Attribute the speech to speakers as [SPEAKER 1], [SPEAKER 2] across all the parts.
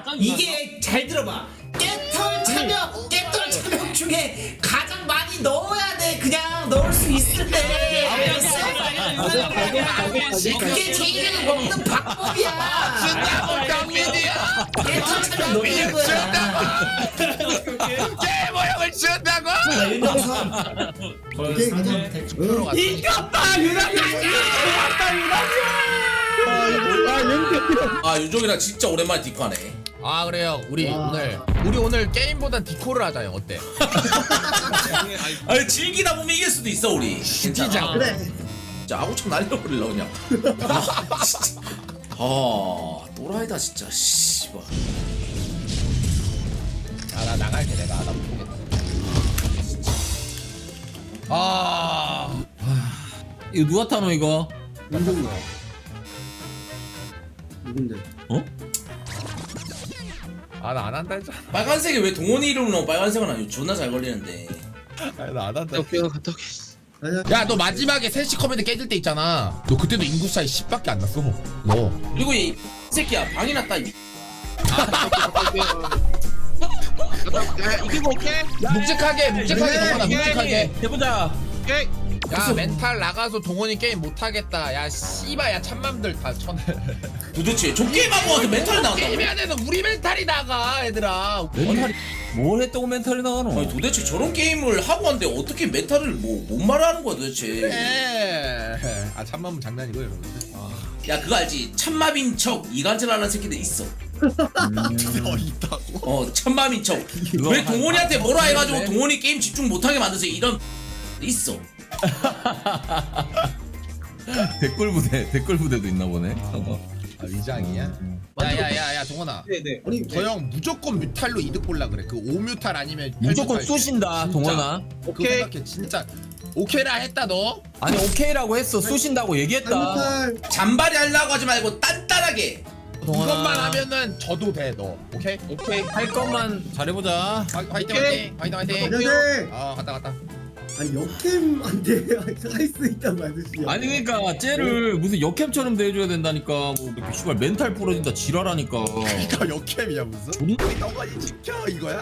[SPEAKER 1] 이게 잘 들어봐. 깨털 참여 중에 가장 많이 넣어야 돼. 그냥 넣을 수 있을 때. 알겠어? 그게 제일 먹는 방법이야.
[SPEAKER 2] 준다고 병민이야.
[SPEAKER 1] 깨털 참여 넣는 거야.
[SPEAKER 2] 제 모형을 준다고.
[SPEAKER 1] 윤정선. 이겼다 유나까지.
[SPEAKER 3] 아 윤종이랑 진짜 오랜만에 디코하네.
[SPEAKER 2] 아 그래요. 우리 오늘 게임보단 디코를 하자요. 어때?
[SPEAKER 3] 아니 즐기다 보면 이길 수도 있어 우리.
[SPEAKER 2] 진짜.
[SPEAKER 1] 그래.
[SPEAKER 3] 진짜 아구창 날려버릴라 그냥. 아, 진짜. 아 또라이다 진짜. 씨발.
[SPEAKER 2] 나 나갈게 내가. 나 못보겠다.
[SPEAKER 4] 이거 누가 타노 이거?
[SPEAKER 5] 누군데?
[SPEAKER 4] 어?
[SPEAKER 2] 나 안 한다 했잖아.
[SPEAKER 3] 빨간색이 왜 동원이 이름으로 나오고 빨간색은 아니고 존나 잘 걸리는데.
[SPEAKER 2] 나 안 한다.
[SPEAKER 5] 오케이 갔다 올게. 아니야.
[SPEAKER 2] 야 너 마지막에 3시 커맨드 깨질 때 있잖아. 너 그때도 인구 차이 10밖에 안 났어. 너.
[SPEAKER 3] 그리고 이 새끼야 방이 났다.
[SPEAKER 5] 이기고 오케이.
[SPEAKER 2] 묵직하게 동원아
[SPEAKER 5] 오케이.
[SPEAKER 2] 묵직하게.
[SPEAKER 4] 해보자.
[SPEAKER 5] 오케이.
[SPEAKER 2] 야 멘탈 나가서 동원이 게임 못하겠다. 야 씨발 야 참맘들 다 쳐내.
[SPEAKER 3] 도대체 저 게임하고 와서 멘탈이 나간다고?
[SPEAKER 2] 게임해야 돼서 우리 멘탈이 나가 얘들아.
[SPEAKER 4] 멘탈이 뭘 했다고 멘탈이 나가노?
[SPEAKER 3] 아니 도대체 저런 게임을 하고 왔는데 어떻게 멘탈을 뭔 말을 하는 거야 도대체.
[SPEAKER 2] 참맘은 장난이고 여러분들.
[SPEAKER 3] 야 그거 알지? 참마빈 척 이간질하는 새끼들 있어.
[SPEAKER 2] 있다고?
[SPEAKER 3] 참마빈 척. 왜 동원이한테 뭐라 해가지고 동원이 게임 집중 못하게 만드세요 이런 있어.
[SPEAKER 4] 댓글 부대도 있나 보네.
[SPEAKER 2] 위장이야? 야야야야 동원아.
[SPEAKER 5] 네네.
[SPEAKER 2] 아니 저 형 무조건 뮤탈로 이득 볼라 그래. 그 5뮤탈 아니면
[SPEAKER 4] 무조건
[SPEAKER 2] 8뮤탈.
[SPEAKER 4] 쏘신다
[SPEAKER 2] 진짜.
[SPEAKER 4] 동원아.
[SPEAKER 2] 그거
[SPEAKER 5] 오케이.
[SPEAKER 2] 생각해 진짜. 오케이라 했다 너.
[SPEAKER 4] 아니 오케이라고 했어. 쏘신다고 얘기했다.
[SPEAKER 3] 잔발이 하려고 하지 말고 단단하게.
[SPEAKER 2] 이것만 하면은 져도 돼 너. 오케이?
[SPEAKER 5] 오케이.
[SPEAKER 4] 할 것만 잘해보자.
[SPEAKER 2] 화이팅
[SPEAKER 5] 오케이.
[SPEAKER 2] 화이팅.
[SPEAKER 5] 안녕하세요.
[SPEAKER 2] 갔다.
[SPEAKER 5] 아니 역캠 안 돼. 할 수 있단 말이지.
[SPEAKER 4] 아니 그러니까 쟤를 무슨 역캠처럼 대해줘야 된다니까. 뭐 씨발 멘탈 부러진다 지랄하니까.
[SPEAKER 2] 이거 역캠이야 무슨? 너가지 지켜 이거야?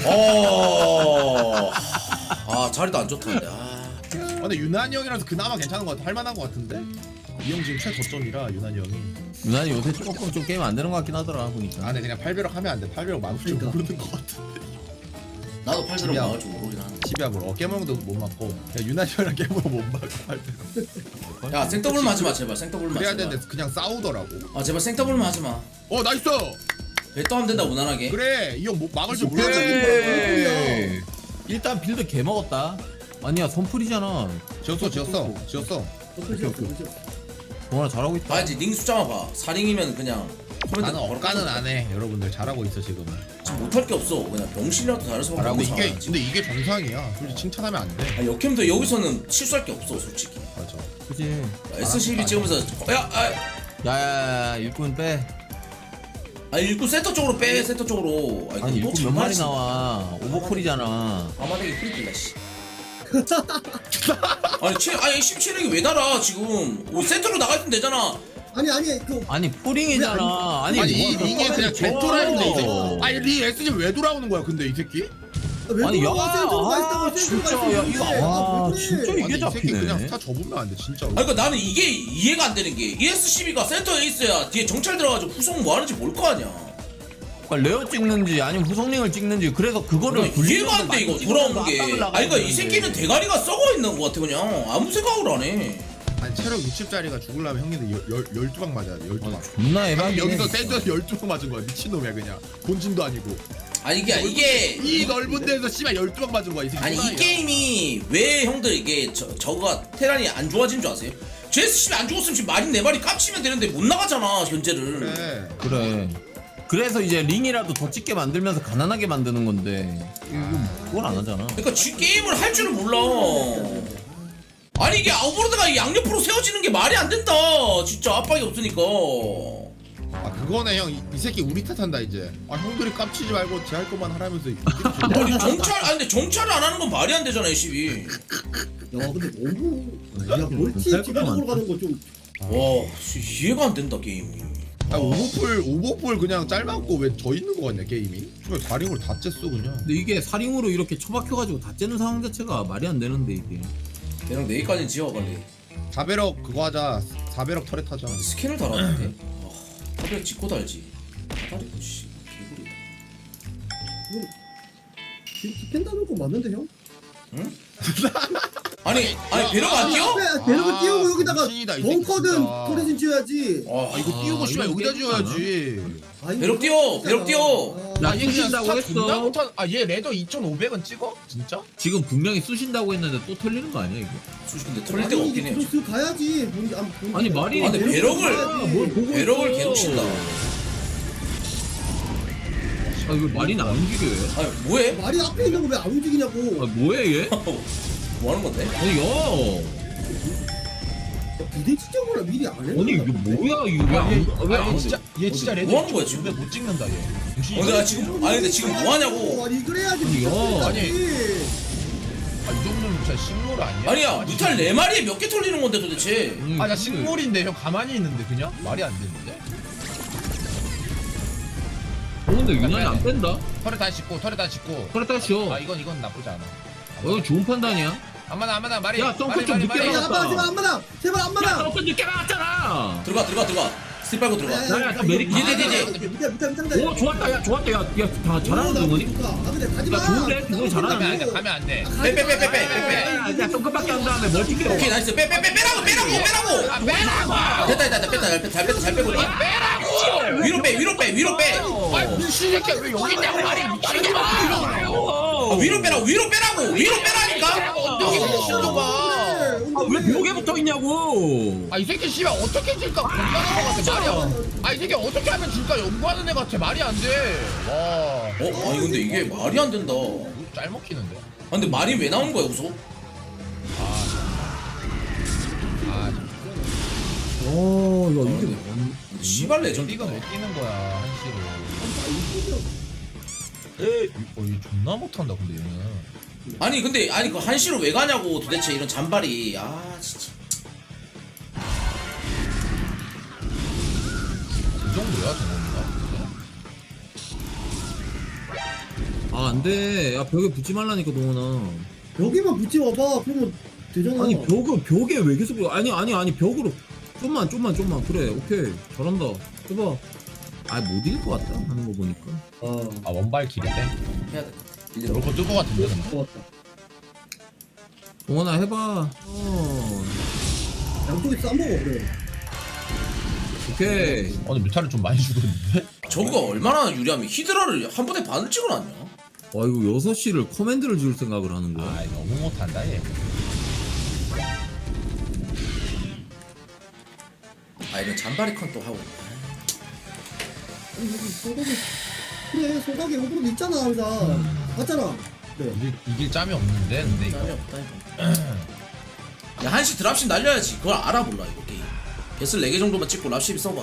[SPEAKER 3] 아 자리도 안 좋다. 아.
[SPEAKER 2] 근데 유난히 형이라서 그나마 괜찮은 것 같아. 할만한 것 같은데? 이 형 지금 최고점이라 유난히 형이.
[SPEAKER 4] 유난히 요새 조금 좀 게임 안 되는 것 같긴 하더라 보니까.
[SPEAKER 2] 근데 그냥 8배럭 하면 안 돼. 8배럭 마우스 좀 모르는 것 같아.
[SPEAKER 3] 나도 팔 들어
[SPEAKER 2] 집이야.
[SPEAKER 3] 나갈 줄 모르긴 하는데.
[SPEAKER 2] 10야으로 깨물도 못 맞고. 야 유난히 형이랑 깨물어 못 맞고 8배럭.
[SPEAKER 3] 야 생더블만 하지 마 제발. 생더블만
[SPEAKER 2] 그래야
[SPEAKER 3] 하지 마.
[SPEAKER 2] 되는데 그냥 싸우더라고.
[SPEAKER 3] 아 제발 생더블만 하지 마.
[SPEAKER 2] 나이스!
[SPEAKER 3] 배떠 하면 된다 무난하게.
[SPEAKER 2] 그래 이 형 막을 줄 몰라.
[SPEAKER 4] 오케이. 일단 빌드 개 먹었다. 아니야 선풀이잖아.
[SPEAKER 2] 지었어.
[SPEAKER 4] 동원아 잘하고 있다.
[SPEAKER 3] 봐야지 링 숫자만 봐. 4링이면 그냥 코멘트
[SPEAKER 2] 나는 억까는 안 해. 여러분들 잘하고 있어 지금.
[SPEAKER 3] 지금 못할 게 없어. 그냥 병신이라도 잘할 수밖에
[SPEAKER 2] 근데
[SPEAKER 3] 없는 상황이지.
[SPEAKER 2] 이게 정상이야. 솔직히 칭찬하면 안 돼.
[SPEAKER 3] 아, 역캠도 여기서는 실수할 게 없어 솔직히.
[SPEAKER 2] 맞아.
[SPEAKER 4] 그치.
[SPEAKER 3] S12 찍으면서
[SPEAKER 4] 야야야 일꾼 빼.
[SPEAKER 3] 일꾼 센터 쪽으로 빼. 센터 쪽으로.
[SPEAKER 4] 아니
[SPEAKER 3] 또
[SPEAKER 4] 일꾼 몇 마리
[SPEAKER 3] 장난이지.
[SPEAKER 4] 나와. 오버풀이잖아.
[SPEAKER 3] 아마대기 프리킬라 씨. 아니 17렉이 왜 달아 지금. 센터로 나갈 땐 되잖아.
[SPEAKER 5] 아니
[SPEAKER 4] 아니 풀링이잖아. 아니
[SPEAKER 2] 이게 그냥 개토라는데 이제. 아니 리 SG 왜 돌아오는 거야 근데 이 새끼?
[SPEAKER 4] 아니 야 진짜 야 이거 진짜 이게
[SPEAKER 2] 아니, 이 새끼 그냥
[SPEAKER 4] 잡히네.
[SPEAKER 2] 스타 접으면 안 돼 진짜로.
[SPEAKER 3] 아니 그러니까 나는 이게 이해가 안 되는 게 ES12가 센터에 있어야 뒤에 정찰 들어가지고 후속 뭐 하는지 볼 거 아니야.
[SPEAKER 4] 그러니까 레어 찍는지 아니면 후속링을 찍는지 그래서 그거를
[SPEAKER 3] 이해가 안 돼 이거 돌아오는 게.
[SPEAKER 4] 압박을
[SPEAKER 3] 아니 그러니까 이
[SPEAKER 4] 나가야
[SPEAKER 3] 새끼는 대가리가 썩어 있는 거 같아 그냥. 아무 생각을 안 해.
[SPEAKER 2] 아니 체력 60짜리가 죽으려면 형님들 12방 맞아야 돼 12방.
[SPEAKER 4] 존나
[SPEAKER 2] 방금
[SPEAKER 4] 에바긴
[SPEAKER 2] 여기서
[SPEAKER 4] 해.
[SPEAKER 2] 센터에서 12방 맞은 거야 미친놈이야 그냥. 본진도 아니고.
[SPEAKER 3] 아니 이게
[SPEAKER 2] 이 넓은 데서 씨발 12방 맞은 거야 이 새끼.
[SPEAKER 3] 아니 이
[SPEAKER 2] 호랑이야.
[SPEAKER 3] 게임이 왜 형들 이게 저거가 테란이 안 좋아진 줄 아세요? GS10이 안 죽었으면 지금 마린 4마리 깝치면 되는데 못 나가잖아 현재를.
[SPEAKER 2] 그래.
[SPEAKER 4] 그래. 그래서 이제 링이라도 더 찍게 만들면서 가난하게 만드는 건데 그걸 안 하잖아.
[SPEAKER 3] 그러니까 지 게임을 할 줄을 몰라. 아니 이게 아웃보르드가 양옆으로 세워지는 게 말이 안 된다. 진짜 압박이 없으니까.
[SPEAKER 2] 그거네 형. 이 새끼 우리 탓한다 이제. 형들이 깝치지 말고 제 할 것만 하라면서.
[SPEAKER 3] 아니 근데 정찰을 안 하는 건 말이 안 되잖아 SCB.
[SPEAKER 5] 야 근데 너무 야 멀티 지방으로 가는 거 좀.
[SPEAKER 3] 와 이해가 안 된다 게임이.
[SPEAKER 2] 아 오버풀 그냥 짧았고 왜 져 있는 거 같냐 게임이? 정말 다링으로 다 쬐어 그냥.
[SPEAKER 4] 근데 이게 사링으로 이렇게 처박혀가지고 다 째는 상황 자체가 말이 안 되는데 이게.
[SPEAKER 3] 얘랑 내일까지는 지워 빨리.
[SPEAKER 2] 4배럭 그거 하자. 4배럭 터렛 하자.
[SPEAKER 3] 스캔을 달았는데. 그래 찍고 달지. 다리 씨 개구리다.
[SPEAKER 5] 펜다는 거 맞는데 형?
[SPEAKER 3] 아니 배려가 안 뛰어?
[SPEAKER 5] 배럭을 띄우고 여기다가
[SPEAKER 2] 미친이다, 이 새끼
[SPEAKER 5] 벙커든
[SPEAKER 2] 진짜.
[SPEAKER 5] 터렛은 지어야지.
[SPEAKER 2] 아 이거 띄우고 씨발 여기다 지어야지.
[SPEAKER 3] 배럭 띄워, 배럭 띄워.
[SPEAKER 4] 나 쑤신다고 했어.
[SPEAKER 6] 아얘 레더 2,500원 찍어? 진짜?
[SPEAKER 4] 지금 분명히 쑤신다고 했는데 또 털리는 거 아니야 이거?
[SPEAKER 3] 솔직히 근데 털릴 데가 없긴 해요.
[SPEAKER 5] 크로스 가야지.
[SPEAKER 4] 아니, 말이-
[SPEAKER 3] 아 근데 배럭을
[SPEAKER 4] 뭘 보고
[SPEAKER 3] 배럭을
[SPEAKER 4] 있어.
[SPEAKER 3] 계속 친다.
[SPEAKER 4] 아 이거 말이 안 움직여 얘.
[SPEAKER 3] 아 뭐해?
[SPEAKER 5] 말이 앞에 있는 거 왜 안 움직이냐고.
[SPEAKER 4] 아 뭐해 얘?
[SPEAKER 3] 뭐 하는 건데?
[SPEAKER 4] 아니 야.
[SPEAKER 5] 부대찌개 몰라 미리 안 해.
[SPEAKER 4] 아니 이거 뭐야 이거 왜안
[SPEAKER 6] 진짜 얘 진짜 레더
[SPEAKER 3] 뭐 하는 거야, 지금?
[SPEAKER 6] 2,500 못 찍는다 얘.
[SPEAKER 3] 내가 지금 아니 근데 지금 뭐 하냐고.
[SPEAKER 5] 아니 그래야지.
[SPEAKER 4] 아니, 야.
[SPEAKER 6] 아니. 아, 이 정도면 진짜 식물 아니야?
[SPEAKER 3] 아니야 무탈 4마리에 몇 개 털리는 건데 도대체.
[SPEAKER 6] 아, 나 식물인데 형 가만히 있는데 그냥? 말이 안 되는데?
[SPEAKER 4] 근데 유난히 안 뺀다.
[SPEAKER 6] 털에 다 씻고 털에 다 씻고.
[SPEAKER 4] 그래 딱 쉬어.
[SPEAKER 6] 아 이건 나쁘지 않아.
[SPEAKER 4] 이거 좋은 판단이야.
[SPEAKER 6] 안마나 말이.
[SPEAKER 4] 야, 똥꼬 좀 늦게
[SPEAKER 5] 야,
[SPEAKER 4] 나왔다.
[SPEAKER 5] 안마나 제발
[SPEAKER 4] 야,
[SPEAKER 5] 안마나.
[SPEAKER 4] 너 늦게 나왔잖아.
[SPEAKER 3] 들어가 스틸 빨고 들어가.
[SPEAKER 4] 야, 야, 메리
[SPEAKER 3] 디디디디.
[SPEAKER 5] 밑에
[SPEAKER 4] 오, 좋았다, 야, 좋았다, 야, 다 잘하는 동원이.
[SPEAKER 5] 아 근데 가지 마.
[SPEAKER 4] 야, 좋은데? 그거 잘하네.
[SPEAKER 6] 가면 안 돼.
[SPEAKER 3] 빼.
[SPEAKER 4] 야, 똥끝밖에 안 다음에 멀티게.
[SPEAKER 3] 오케이 나이스 빼라고 됐다 잘 빼고 있다. 위로 빼
[SPEAKER 6] 아 미친 새끼야 왜 여기 있냐고 말이 미치겠다.
[SPEAKER 3] 위로 빼라니까.
[SPEAKER 6] 엉덩이 미친놈아.
[SPEAKER 4] 왜 벽에 붙어 있냐고.
[SPEAKER 6] 아 이 새끼 씨발 어떻게 질까 공부하는 거 같아 말이야. 아 이 새끼 어떻게 하면 질까 연구하는 애 같아 말이 안 돼. 와.
[SPEAKER 3] 아니 근데 이게 말이 안 된다.
[SPEAKER 6] 짤 먹히는데.
[SPEAKER 3] 아, 근데 말이 왜 나오는 거야 우소?
[SPEAKER 5] 어, 야 이게
[SPEAKER 3] 근데 씨발 레전드.
[SPEAKER 6] 이거 못 뛰는 거야 한시로. 얘 존나 못한다 근데 얘는.
[SPEAKER 3] 아니 근데 그 한시로 왜 가냐고 도대체 이런 잔발이. 아 진짜.
[SPEAKER 6] 그 정도야 저거가.
[SPEAKER 4] 아, 안 돼. 야, 벽에 붙지 말라니까, 동원아.
[SPEAKER 5] 여기만 붙지 와봐. 그러면 되잖아.
[SPEAKER 4] 아니, 벽에 왜 계속, 아니, 벽으로. 좀만. 그래, 오케이. 잘한다. 해봐. 아, 못 이길 것 같다. 하는 거 보니까.
[SPEAKER 6] 아 원발 길인데?
[SPEAKER 3] 해야 돼.
[SPEAKER 6] 저럴 거뜰 것 같은데 근데.
[SPEAKER 5] 좋았다.
[SPEAKER 4] 동원아, 해봐.
[SPEAKER 5] 양쪽에 싸먹어 그래.
[SPEAKER 4] 오케이.
[SPEAKER 6] 근데 뮤타를 좀 많이 죽었는데?
[SPEAKER 3] 저거가 얼마나 유리하면 히드라를 한 번에 반을 찍어놨냐?
[SPEAKER 4] 와, 이거 6시를 커맨드를 지을 생각을 하는 거야.
[SPEAKER 6] 아 너무 못한다 얘.
[SPEAKER 3] 아 이런 잔발이 컨 또 하고.
[SPEAKER 5] 소각이 그래 소각이 호불호 있잖아 항상. 맞잖아. 그래.
[SPEAKER 6] 이길 짬이 없는데 근데 이거.
[SPEAKER 3] 짬이 없다 이거. 야 한시 드랍십 날려야지. 그걸 알아볼라 이거 게임. 베슬 4개 정도만 찍고 랍십 써봐.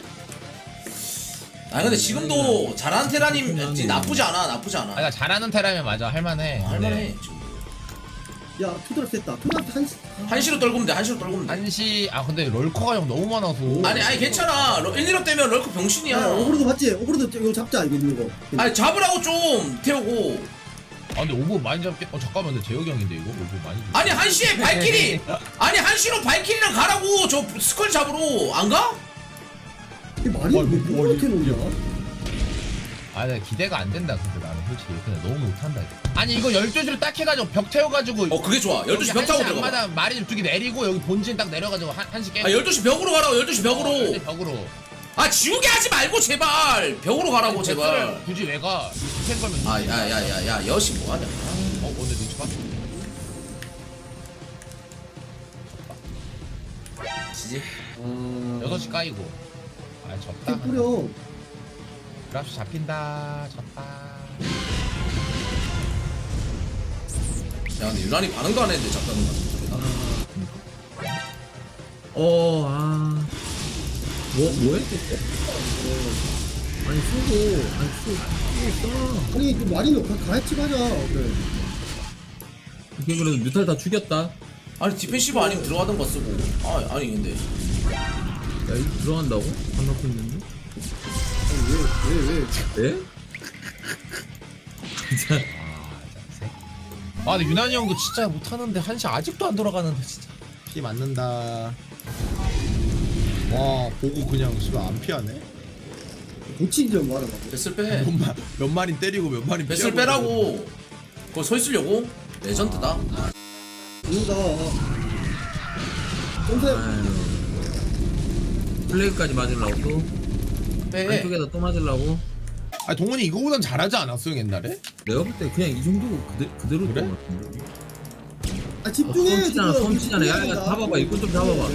[SPEAKER 3] 아 근데 지금도 잘하는 테라님 나쁘지 않아.
[SPEAKER 6] 아 그러니까 잘하는 테라면 맞아 할만해.
[SPEAKER 3] 할만해 지금.
[SPEAKER 5] 야 투드랍 됐다. 투드랍
[SPEAKER 3] 한시로 떨구면 돼.
[SPEAKER 6] 한시 아 근데 럴커가 형 너무 많아서.
[SPEAKER 3] 아니 괜찮아. 1, 2업 되면 럴크 병신이야.
[SPEAKER 5] 야 오브로드 봤지? 오브로드 이거 잡자 이거 있는 거.
[SPEAKER 3] 아니 잡으라고 좀 태우고.
[SPEAKER 6] 아 근데 오버 많이 잡게. 잠깐만 근데 재혁이 형인데 이거 오버 많이.
[SPEAKER 3] 아니 한시에 발키리. 아니 한시로 발키리랑 가라고. 저 스컬 잡으러 안 가?
[SPEAKER 5] 이게 말이 왜 이렇게 놓냐?
[SPEAKER 6] 아 근데 기대가 안 된다 근데 나는 솔직히 근데 너무 못한다 이거. 아니 이거 12시로 딱 해가지고 벽 태워가지고.
[SPEAKER 3] 그게 좋아. 12시 벽 타고 들어가.
[SPEAKER 6] 마다 마리 두개 내리고 여기 본진 딱 내려가지고 한시 깨.
[SPEAKER 3] 12시 벽으로 가라고. 12시 벽으로.
[SPEAKER 6] 벽으로.
[SPEAKER 3] 아 지우개 하지 말고 제발. 벽으로 가라고 제발.
[SPEAKER 6] 굳이 왜 가? 디펜 걸면.
[SPEAKER 3] 아 야야야야 여시 뭐하냐.
[SPEAKER 6] 근데 눈치 봤어.
[SPEAKER 3] 지지.
[SPEAKER 6] 6시 까이고. 아 졌다.
[SPEAKER 5] 뿌려.
[SPEAKER 6] 그라프 잡힌다. 졌다.
[SPEAKER 3] 야 근데 유난히 반응도 안 했는데 잡다는 거 같은 소리다.
[SPEAKER 4] 뭐 했겠어? 아니, 쓰고 있어.
[SPEAKER 5] 아니 그 말이는 같이 가자. 그래.
[SPEAKER 4] 이게 그래도 뮤탈 다 죽였다.
[SPEAKER 3] 아니 디펜시브 아니면 들어가던 거 쓰고. 아니 근데
[SPEAKER 4] 야, 이거 들어간다고? 안 넣고 있는데?
[SPEAKER 5] 왜?
[SPEAKER 4] 네? 진짜
[SPEAKER 6] 아 근데 유난히 형도 진짜 못하는데 한시 아직도 안 돌아가는데 진짜.
[SPEAKER 2] 피 맞는다. 와 보고 그냥 씨발 안 피하네.
[SPEAKER 5] 고치기 좀 말아봐.
[SPEAKER 3] 뱃슬 빼.
[SPEAKER 2] 몇 마리 때리고 몇 마리
[SPEAKER 3] 뱃슬 빼라고. 거기 서 있으려고. 레전드다.
[SPEAKER 5] 이거다. 점세.
[SPEAKER 4] 플레이까지 맞으려고 또
[SPEAKER 3] 빼.
[SPEAKER 4] 안쪽에다 또 맞으려고.
[SPEAKER 2] 아 동원이 이거보단 잘하지 않았어 형 옛날에?
[SPEAKER 4] 내가 볼 때 그냥 이 정도 그대로
[SPEAKER 2] 그래?
[SPEAKER 4] 된 것 같은데.
[SPEAKER 5] 아 집중해.
[SPEAKER 4] 솜치잖아
[SPEAKER 5] 지금.
[SPEAKER 4] 솜치잖아. 야야 잡아봐 일꾼 좀 잡아봐.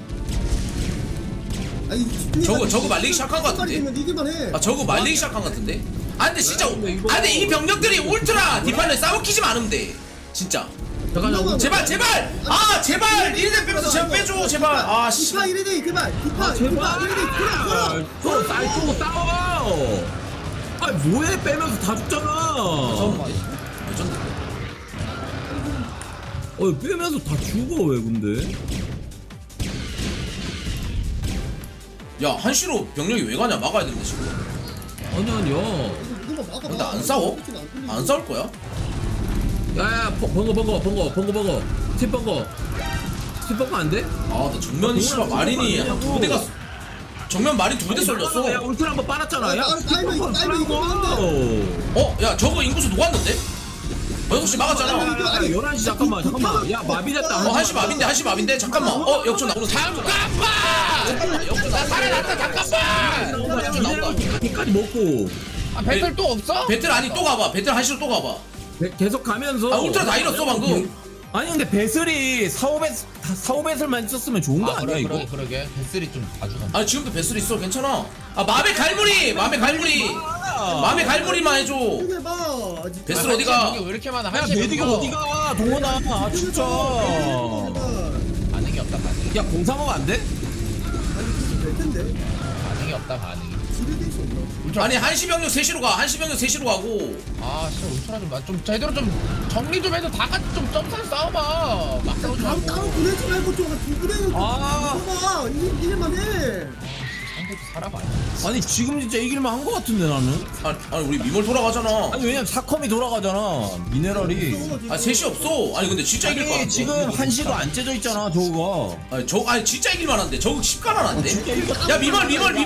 [SPEAKER 5] 아니 집중해.
[SPEAKER 3] 저거 말리기 시작한 것 같은데?
[SPEAKER 5] 이기만 해.
[SPEAKER 3] 아 저거 말리기 시작한 것 같은데? 아 근데 진짜 아
[SPEAKER 4] 근데 이거-
[SPEAKER 3] 근데 이 병력들이 울트라 디파일러 싸우키지만 않으면 돼 진짜
[SPEAKER 4] 잠깐만
[SPEAKER 3] 제발 아 제발 1대 빼면서 제발 빼줘 제발 아씨
[SPEAKER 5] 디파 1대 그만. 디파
[SPEAKER 4] 아 제발.
[SPEAKER 5] 디파 1대 그만.
[SPEAKER 4] 또 쌀고 싸워. 아 뭐해 빼면서 다 죽잖아.
[SPEAKER 3] 레전드
[SPEAKER 4] 빼면서 다 죽어 왜 근데?
[SPEAKER 3] 야 한시로 병력이 왜 가냐 막아야 되는데 지금
[SPEAKER 4] 아니야.
[SPEAKER 3] 근데 안 싸워? 안 싸울 거야?
[SPEAKER 4] 야야 번거 팀 번거 안 돼?
[SPEAKER 3] 아나 정면 씨발 마린이 한 2부대가 정면 마린 2부대 쏠렸어
[SPEAKER 4] 야 울트라 한번 빨았잖아. 야
[SPEAKER 5] 타이밍 이거
[SPEAKER 3] 어? 야 저거 인구수 녹았는데? 6시 막았잖아
[SPEAKER 4] 11시 잠깐만 야 마비됐다.
[SPEAKER 3] 1시 마빈데 1시 마빈데 잠깐만 역전 나오는
[SPEAKER 6] 잠깐만! 나 살아났다 잠깐만!
[SPEAKER 4] 까지 먹고
[SPEAKER 6] 아 배틀 또 없어?
[SPEAKER 3] 배틀 아니 또 가봐 배틀 1시로 또 가봐
[SPEAKER 4] 계속 가면서.
[SPEAKER 3] 아 울트라 다 잃었어 방금
[SPEAKER 4] 아니 근데 배슬이 사오배슬만 있었으면 좋은 거 아니야 이거?
[SPEAKER 6] 그러게 배슬이 좀 가져가.
[SPEAKER 3] 아니 지금도 배슬 있어 괜찮아 아 맘의 갈무리만 해줘
[SPEAKER 5] 이게 봐.
[SPEAKER 3] 배슬 어디가
[SPEAKER 6] 이게 왜 이렇게 많아?
[SPEAKER 4] 야
[SPEAKER 6] 한시
[SPEAKER 4] 메디가 어디가 동원아 아 진짜.
[SPEAKER 6] 반응이 없다 반응이.
[SPEAKER 4] 야 공삼하면 안 돼?
[SPEAKER 5] 될 텐데.
[SPEAKER 6] 반응이 없다 반응이.
[SPEAKER 3] 아니 한시 병력 3시로 가 한시 병력 3시로 가고
[SPEAKER 6] 아 진짜 울트라 좀 제대로 좀 정리 좀 해서 다 같이 좀 점수를 싸워봐. 막 싸우지
[SPEAKER 5] 다음
[SPEAKER 6] 말고.
[SPEAKER 5] 따로 보내지 말고 좀두 분에는
[SPEAKER 4] 아.
[SPEAKER 5] 봐봐. 이길만 해.
[SPEAKER 6] 상대도 살아봐.
[SPEAKER 4] 아니 지금 진짜 이길만 한 거 같은데 나는.
[SPEAKER 3] 아니 우리 미몰 돌아가잖아
[SPEAKER 4] 아니 왜냐면 사컴이 돌아가잖아 미네랄이.
[SPEAKER 3] 아 3시 없어 아니 근데 진짜 이길 것 같아
[SPEAKER 4] 지금 한시도 안 째져 있잖아 저거가.
[SPEAKER 3] 아니 진짜 이길 만한데 저거 10가난 안돼
[SPEAKER 4] 진짜 이거.
[SPEAKER 3] 야 미몰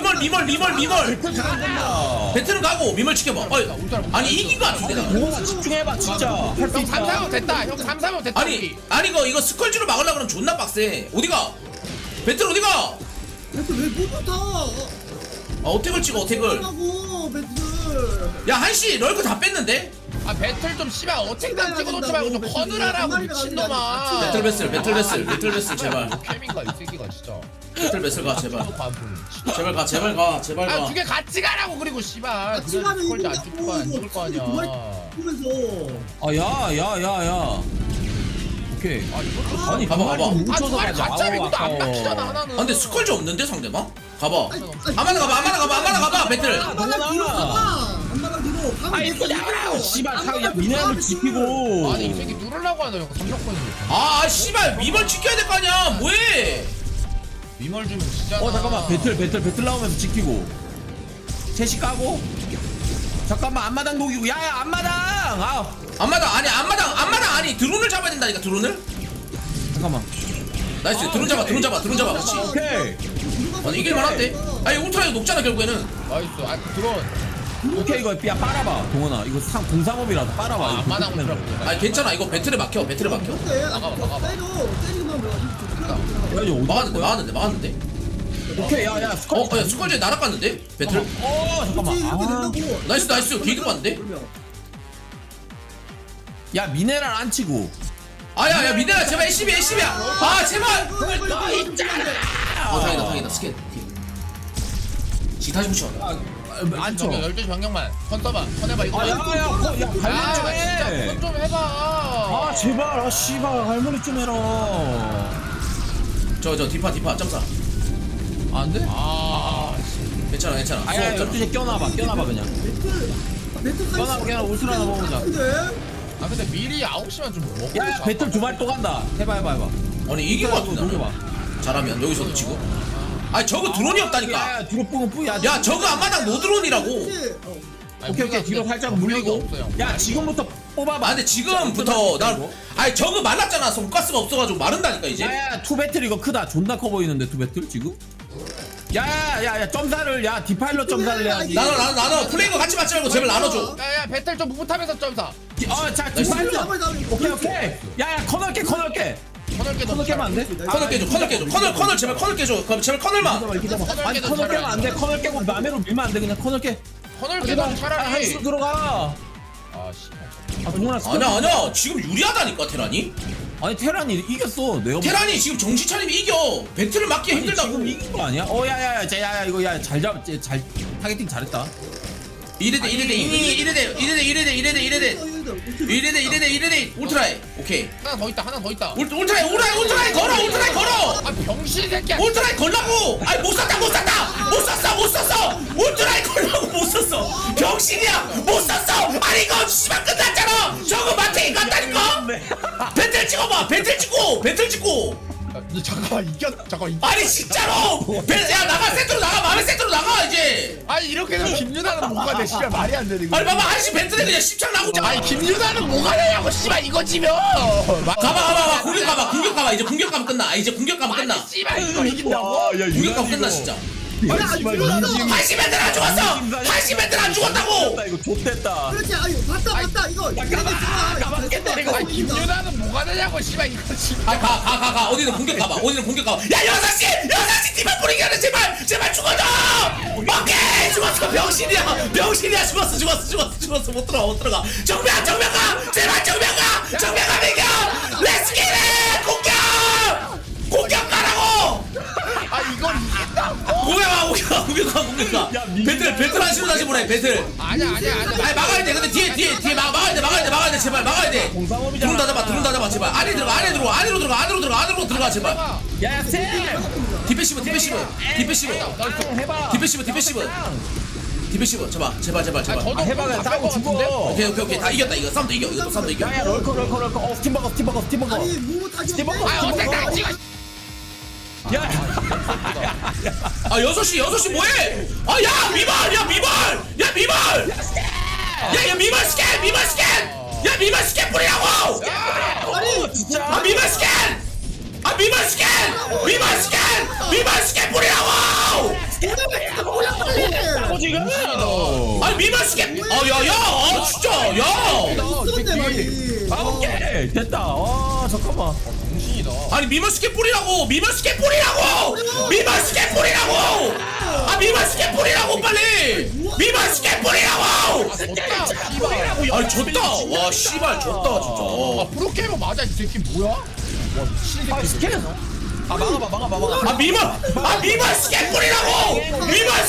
[SPEAKER 3] 배틀은 가고 미몰 지켜봐 아니 이긴 것 같은데 나
[SPEAKER 4] 동원아 집중해봐 진짜. 할 수
[SPEAKER 6] 형
[SPEAKER 4] 있다.
[SPEAKER 6] 3-4면 됐다. 형 3-4면 됐다.
[SPEAKER 3] 아니 이거 스컬지로 막으려고 그러면 존나 빡세 어디가 배틀 어디가
[SPEAKER 5] 배틀 왜못 붙어?
[SPEAKER 3] 아 어택을 찍어 어택을
[SPEAKER 5] 하고 배틀.
[SPEAKER 3] 야 한시 럴크 다 뺐는데
[SPEAKER 6] 아 배틀 좀 씨발 어택당 찍어놓지 말고 좀 커느라라고 미친놈아.
[SPEAKER 3] 배틀 베슬 제발
[SPEAKER 6] 캠인가 이 새끼가 진짜.
[SPEAKER 3] 배틀 베슬 가 제발 제발 가
[SPEAKER 6] 아 두 개 같이 가라고 그리고 씨발.
[SPEAKER 5] 같이 가면
[SPEAKER 6] 스컬지 안 죽을 거안 죽을 거 아니야.
[SPEAKER 5] 보면서.
[SPEAKER 4] 아야야야야. 오케이.
[SPEAKER 6] 아 이거
[SPEAKER 3] 아니 봐봐
[SPEAKER 6] 아
[SPEAKER 4] 뭉쳐서
[SPEAKER 6] 두 마리
[SPEAKER 4] 가자.
[SPEAKER 6] 같이 하면 이것도 안
[SPEAKER 4] 아까워.
[SPEAKER 6] 막히잖아 하나는.
[SPEAKER 3] 아 근데 스컬지 없는데 상대방? 가봐 아마나 가봐 배틀
[SPEAKER 5] 안마랑 뒤로 가봐. 안마랑 뒤로.
[SPEAKER 4] 아 이거 야 씨발 야 미네랄을 지키고.
[SPEAKER 6] 아니 이 새끼 누르려고 하네 형 3력권이.
[SPEAKER 3] 아 씨발 미벌 지켜야 될 거 아니야 뭐해
[SPEAKER 6] 미멀 주면 진짜.
[SPEAKER 4] 잠깐만 배틀 나오면서 지키고 셋이 까고 잠깐만 앞마당 녹이고 야야 앞마당
[SPEAKER 3] 앞마당 아니 드론을 잡아야 된다니까 드론을
[SPEAKER 4] 잠깐만
[SPEAKER 3] 나이스 드론 잡아 그렇지
[SPEAKER 4] 오케이
[SPEAKER 3] 아니 이길만한데 아니 울트라 이거 녹잖아 결국에는
[SPEAKER 6] 나이스. 아 드론.
[SPEAKER 4] 오케이 이거 야 빨아봐 동원아 이거 공상업이라도 빨아봐 이거
[SPEAKER 6] 안마당
[SPEAKER 4] 공상업이라도.
[SPEAKER 6] 울트라.
[SPEAKER 3] 아니 괜찮아 이거 배틀에 막혀
[SPEAKER 5] 어때?
[SPEAKER 6] 막아봐.
[SPEAKER 5] 때리기만 뭐.
[SPEAKER 4] 야 이거 어디
[SPEAKER 3] 막았는데
[SPEAKER 4] 오케이 야야 스컬
[SPEAKER 3] 야 스컬지 날아갔는데 배틀
[SPEAKER 4] 잠깐만 아.
[SPEAKER 3] 나이스 게이드 봤는데
[SPEAKER 4] 야 미네랄 안 치고
[SPEAKER 3] 아야 미네랄 제발 LCB야 아 제발 다행이다 스캔 지 다시 붙여
[SPEAKER 4] 안 쳐.
[SPEAKER 6] 12시 병력만 컨 써봐. 컨 해봐 이거.
[SPEAKER 4] 야야 관리 좀
[SPEAKER 6] 진짜
[SPEAKER 4] 해.
[SPEAKER 6] 컨좀 해봐.
[SPEAKER 4] 아 제발 아 씨발 할머니 좀 해라.
[SPEAKER 3] 저 디파 점사
[SPEAKER 4] 안 돼?
[SPEAKER 6] 아
[SPEAKER 3] 괜찮아
[SPEAKER 4] 아야 12시에 껴놔봐 그냥. 껴놔 울트라 하나 먹어보자.
[SPEAKER 6] 아 근데 미리 9시만 좀 먹고.
[SPEAKER 4] 야 배틀 두 마리 또 간다. 해봐.
[SPEAKER 3] 아니 이긴 거 같은데
[SPEAKER 4] 녹여봐.
[SPEAKER 3] 잘하면 여기서도 치고 아니 저거 드론이 없다니까.
[SPEAKER 4] 야 뒤로 뽕은 뿌야.
[SPEAKER 3] 야 저거 앞마당 노드론이라고.
[SPEAKER 4] 오케이 오케이 뒤로 살짝 물리고. 야 지금부터 뽑아봐.
[SPEAKER 3] 아 근데 지금부터 난 아니 저거 말랐잖아. 손가스가 없어가지고 마른다니까 이제.
[SPEAKER 4] 야야 투 배틀 이거 크다. 존나 커 보이는데 투 배틀 지금. 야야야 점사를 야 디파일럿 점사를 해야지.
[SPEAKER 3] 나눠 플레이거 같이 맞지 말고 제발 나눠줘.
[SPEAKER 6] 야야 배틀 좀 묵묵하면서 점사.
[SPEAKER 4] 자 디파일럿. 오케이. 야야 커널 깨.
[SPEAKER 6] 커널
[SPEAKER 4] 깨면 안 돼?
[SPEAKER 3] 커널 깨줘. 커널 제발 커널 깨줘. 그럼 제발 커널만.
[SPEAKER 4] 아니 커널 깨면 안 돼. 커널 깨고 남해로 밀면 안 돼. 그냥 커널 깨.
[SPEAKER 6] 커널 깨도 차라리.
[SPEAKER 4] 한시로 들어가.
[SPEAKER 6] 아 씨발.
[SPEAKER 4] 아 동현아
[SPEAKER 3] 아니야 지금 유리하다니까 테란이.
[SPEAKER 4] 아니 테란이 이겼어. 내가
[SPEAKER 3] 테란이 지금 정신 차리면 이겨. 배틀을 막기
[SPEAKER 4] 아니,
[SPEAKER 3] 힘들다고.
[SPEAKER 4] 지금 이긴 거 아니야? 야야야 이거 야잘 타겟팅 잘했다.
[SPEAKER 3] 이래대 울트라이. 오케이.
[SPEAKER 6] 하나 더 있다.
[SPEAKER 3] 울트라이 걸어.
[SPEAKER 6] 아 병신 새끼야.
[SPEAKER 3] 울트라이 걸라고. 아니 못 썼어. 울트라이 걸라고 못 썼어. 병신이야. 못 썼어. 아니 이거 씨발 끝났잖아. 저거 마탱이 같다니까. 배틀 찍어봐. 배틀 찍고.
[SPEAKER 6] 잠깐만 잠깐.
[SPEAKER 3] 아니 진짜로. 야 나가 세트로 나가. 맘의 세트로 나가 이제.
[SPEAKER 6] 아니 이렇게 되면 김유나는 뭐가 돼? 씨발 말이 안 되네 이거.
[SPEAKER 3] 아니 봐봐 한시 배틀에 그냥 10창 나고.
[SPEAKER 6] 아니 김유나는 뭐가 되냐고 씨발 이거 지면.
[SPEAKER 3] 가봐. 공격 가봐. 이제 공격 가면 끝나.
[SPEAKER 6] 아니 씨발 이거 이긴다고?
[SPEAKER 3] 공격 가면 끝나 진짜. 한시 배틀 안 죽었어. 한시 배틀 안 죽었다고.
[SPEAKER 4] 이거 좆됐다.
[SPEAKER 5] 그렇지 아유 봤다 이거
[SPEAKER 6] 아니 김유나는 뭐가 되냐고 씨발 이거 지금.
[SPEAKER 3] 가. 어디는 공격 가봐. 야 6시 팀만 뿌리게 하네 제발 죽어줘. 오케이 죽었어. 병신이야 죽었어. 못 들어가. 정면 가. 제발 정면 가 비겨. 렛츠 기릿 공격 가라고.
[SPEAKER 6] 아 이걸 이긴다고.
[SPEAKER 3] 공격 가. 배틀 한시로 다시 보내 배틀.
[SPEAKER 6] 아니야.
[SPEAKER 3] 아니 막아야 돼. 근데 뒤에 막아야 돼. 제발 막아야 돼. 드론 다 잡아 제발. 안으로 들어가 제발.
[SPEAKER 4] 야야 쌤.
[SPEAKER 3] 디페시브.
[SPEAKER 4] 해봐.
[SPEAKER 3] 디페시브 제발.
[SPEAKER 6] 저도
[SPEAKER 4] 해봐 싸고 죽어.
[SPEAKER 3] 오케이 다 이겼다 이거. 싸움도 이겨.
[SPEAKER 4] 야야 럴커. 스팀버거.
[SPEAKER 5] 아니 무못하지
[SPEAKER 4] 스팀버거.
[SPEAKER 6] 어택 찍어.
[SPEAKER 4] 야.
[SPEAKER 3] 아 6시 뭐해? 야 미발. 야 미발 스캔 뿌리라고.
[SPEAKER 4] 진짜.
[SPEAKER 3] 미발 스캔 뿌리라고.
[SPEAKER 4] 지금.
[SPEAKER 3] 아니 미발 스캔. 야야 진짜 야.
[SPEAKER 5] 쓰는데 말이
[SPEAKER 4] 오케이 됐다. 잠깐만.
[SPEAKER 6] 정신이다.
[SPEAKER 3] 아니 미발 스캔 뿌리라고. 빨리. 미발 스캔 뿌리라고. 아니 졌다. 와 씨발 졌다 진짜.
[SPEAKER 6] 아 프로게이머 맞아 이 새끼 뭐야? 와 미친 새끼.
[SPEAKER 4] 스캔. 막아.
[SPEAKER 3] 미발 스캔 뿌리라고.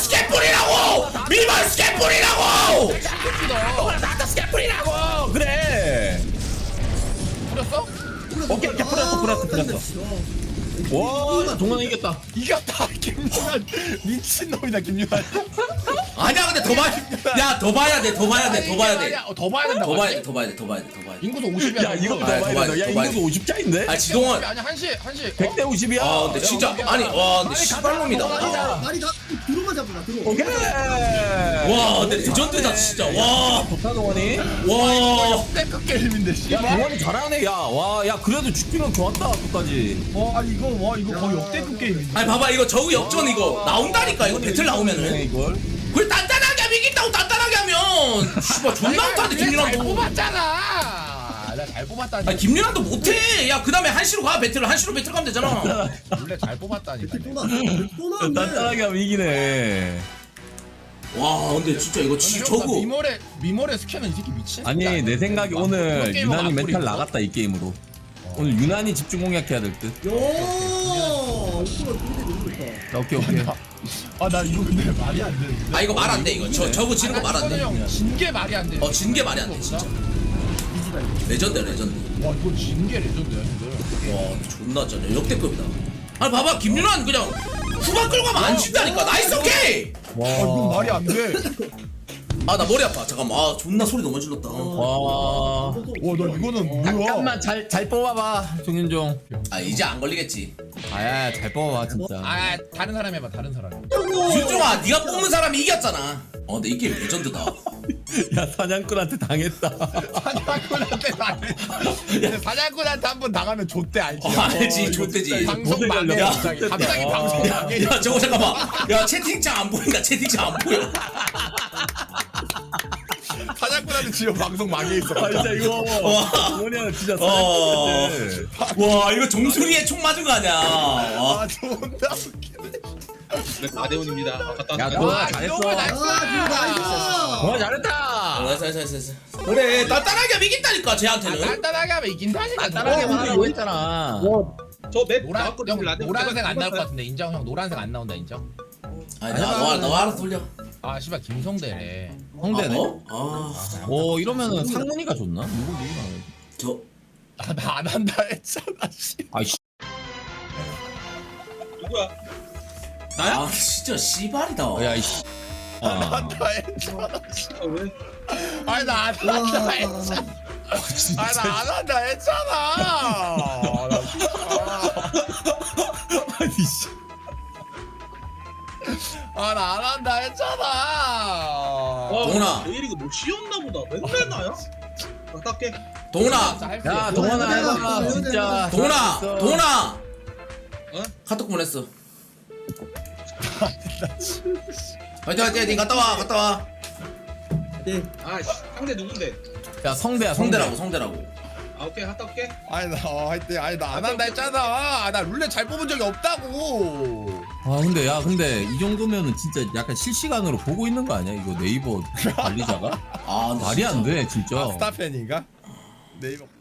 [SPEAKER 4] 나한테 스캔 뿌리라고. 그래.
[SPEAKER 6] 뿌렸어?
[SPEAKER 4] 오케이 뿌렸어. 와 동원아 이겼다.
[SPEAKER 6] 이겼다. 김유나 미친놈이다 김유나.
[SPEAKER 3] 아니야 근데 더 봐야 돼. 더 봐야 돼.
[SPEAKER 6] 더 봐야 된다.
[SPEAKER 3] 더 봐야 돼.
[SPEAKER 6] 인구도 50이야.
[SPEAKER 4] 야 이거
[SPEAKER 3] 더 봐야 돼.
[SPEAKER 4] 야 인구수 50짜인데?
[SPEAKER 3] 아 지동원.
[SPEAKER 6] 아니 한시
[SPEAKER 4] 100대 50이야.
[SPEAKER 3] 아 근데 진짜 근데 씨발놈이다.
[SPEAKER 5] 말이 다 들어만 잡으라 들어
[SPEAKER 4] 오케이.
[SPEAKER 3] 와 근데 레전드다 진짜. 와.
[SPEAKER 4] 좋다 동원이.
[SPEAKER 3] 와.
[SPEAKER 6] 땡크 게임인데 씨.
[SPEAKER 4] 야 동원이 잘하네. 야 그래도 죽기는 좋았다 끝까지.
[SPEAKER 6] 이거 거의 역대급 게임인데.
[SPEAKER 3] 아니 봐봐 이거 저우 역전 이거 나온다니까 이거 배틀 나오면은.
[SPEAKER 4] 이걸.
[SPEAKER 3] 그걸 단단하게 하면 이긴다고 단단하게 하면. 씨발 존나 못하는데
[SPEAKER 6] 잘
[SPEAKER 3] 김윤환도.
[SPEAKER 6] 뽑았잖아. 나 잘 뽑았다니.
[SPEAKER 3] 아니 김윤환도 못해. 야 그다음에 한시로 가 배틀. 한시로 배틀 가면 되잖아.
[SPEAKER 6] 원래 잘 뽑았다니까.
[SPEAKER 5] 또 나왔네
[SPEAKER 4] 단단하게 하면 이기네.
[SPEAKER 3] 와 근데 진짜 이거 저거.
[SPEAKER 6] 미모레 스캔은 이 새끼 미친.
[SPEAKER 4] 아니 내 생각에 오늘
[SPEAKER 6] 프로게이머가
[SPEAKER 4] 유난히
[SPEAKER 6] 안
[SPEAKER 4] 멘탈
[SPEAKER 6] 뿌리고.
[SPEAKER 4] 나갔다 이 게임으로. 오늘 유난히 집중 공략해야 될 듯.
[SPEAKER 5] 요 오프로 좋다
[SPEAKER 4] 오케이.
[SPEAKER 6] 나 이거 근데 말이 안 되는데.
[SPEAKER 3] 아 이거 말 안 돼 이거. 저거 지는 거 말 안 돼.
[SPEAKER 6] 진게 말이 안 돼.
[SPEAKER 3] 진 게 말이 안 돼 진짜. 레전드.
[SPEAKER 6] 와 이거 진게 레전드야 근데.
[SPEAKER 3] 와 존나 쩌네. 역대급이다. 아니 봐봐 김윤환 그냥 후반 끌고 가면 안 진다니까. 나이스 오케이.
[SPEAKER 6] 이건 말이 안 돼.
[SPEAKER 3] 아 나 머리 아파. 잠깐만. 아 존나 소리 너무 질렀다.
[SPEAKER 4] 와.
[SPEAKER 6] 나 이거는 뭐야?
[SPEAKER 4] 잠깐만 잘 뽑아봐 정윤종.
[SPEAKER 3] 아 이제 안 걸리겠지.
[SPEAKER 4] 아야 잘 뽑아봐 진짜.
[SPEAKER 6] 아 다른 사람 해봐 다른 사람.
[SPEAKER 3] 윤종아 네가 뽑는 사람이 이겼잖아. 근데 이 게임 레전드다.
[SPEAKER 4] 야 사냥꾼한테 당했다.
[SPEAKER 6] 사냥꾼한테 당해. 사냥꾼한테 한 번 당하면 좆대 알지?
[SPEAKER 3] 알지 좆대지.
[SPEAKER 6] 방송 망해
[SPEAKER 3] 야,
[SPEAKER 6] 갑자기
[SPEAKER 3] 야,
[SPEAKER 6] 방송 망해.
[SPEAKER 3] 야 저거 잠깐만. 야 채팅창 안 보인다. 채팅창 안 보여.
[SPEAKER 6] 사냥꾼한테 지금 방송 망해 있어.
[SPEAKER 4] 아 진짜 이거 뭐냐 진짜
[SPEAKER 3] 어.
[SPEAKER 4] 사냥꾼한테.
[SPEAKER 3] 와 이거 정수리에 총 맞은 거 아니야. 와.
[SPEAKER 6] 아 존나 웃기네.
[SPEAKER 7] 네, 나대훈입니다. 아까
[SPEAKER 4] 야
[SPEAKER 7] 딴
[SPEAKER 4] 너
[SPEAKER 6] 와
[SPEAKER 4] 잘했어.
[SPEAKER 6] 이거 나이스.
[SPEAKER 4] 와 잘했다.
[SPEAKER 3] 됐어. 그래 단단하게 이긴다니까 쟤한테는.
[SPEAKER 6] 간단하게 하면 이긴다니까.
[SPEAKER 4] 간단하게만 하라고 했잖아.
[SPEAKER 7] 저맵
[SPEAKER 6] 노란
[SPEAKER 7] 나왔거든요.
[SPEAKER 6] 형
[SPEAKER 7] 라데온
[SPEAKER 6] 노란색 안 나올 것
[SPEAKER 7] 해봤어요?
[SPEAKER 6] 같은데 인정 형 노란색 안 나온다 인정.
[SPEAKER 3] 아니 너 알아서 돌려.
[SPEAKER 6] 아 씨발 김성대래.
[SPEAKER 4] 성대네.
[SPEAKER 3] 아,
[SPEAKER 4] 오 이러면은 상문이가 좋나? 누구 누구나.
[SPEAKER 3] 저
[SPEAKER 6] 나 안 한다 했잖아 씨.
[SPEAKER 4] 아이씨.
[SPEAKER 7] 누구야?
[SPEAKER 3] 아 진짜 씨발이다.
[SPEAKER 4] 야이씨.
[SPEAKER 6] 안 한다 했잖아.
[SPEAKER 7] 아, 왜?
[SPEAKER 6] 아니 나 안 한다 했잖아. 아니 나 안 한다 했잖아. 나
[SPEAKER 4] 아니 씨.
[SPEAKER 6] 아 나 안 한다 했잖아.
[SPEAKER 3] 동훈아.
[SPEAKER 7] 내일 이거 뭐 쉬었나 보다. 맨날 나야? 깎게.
[SPEAKER 3] 동훈아.
[SPEAKER 4] 야 동원아 해봐 진짜.
[SPEAKER 3] 동훈아.
[SPEAKER 4] 잘했어.
[SPEAKER 3] 동훈아.
[SPEAKER 7] 어?
[SPEAKER 3] 카톡 보냈어. 화이팅 니 갔다 와.
[SPEAKER 5] 네.
[SPEAKER 7] 아, 씨, 상대 누군데?
[SPEAKER 4] 야 성대야
[SPEAKER 3] 성대라고.
[SPEAKER 7] 아, 오케이, 갔다 올게.
[SPEAKER 6] 아니 나 하여튼 아니 나 안 한다 했잖아. 나 룰렛 잘 뽑은 적이 없다고.
[SPEAKER 4] 아 근데 이 정도면은 진짜 약간 실시간으로 보고 있는 거 아니야? 이거 네이버 관리자가?
[SPEAKER 3] 아
[SPEAKER 4] 말이 안 돼 진짜.
[SPEAKER 6] 스타팬인가? 네이버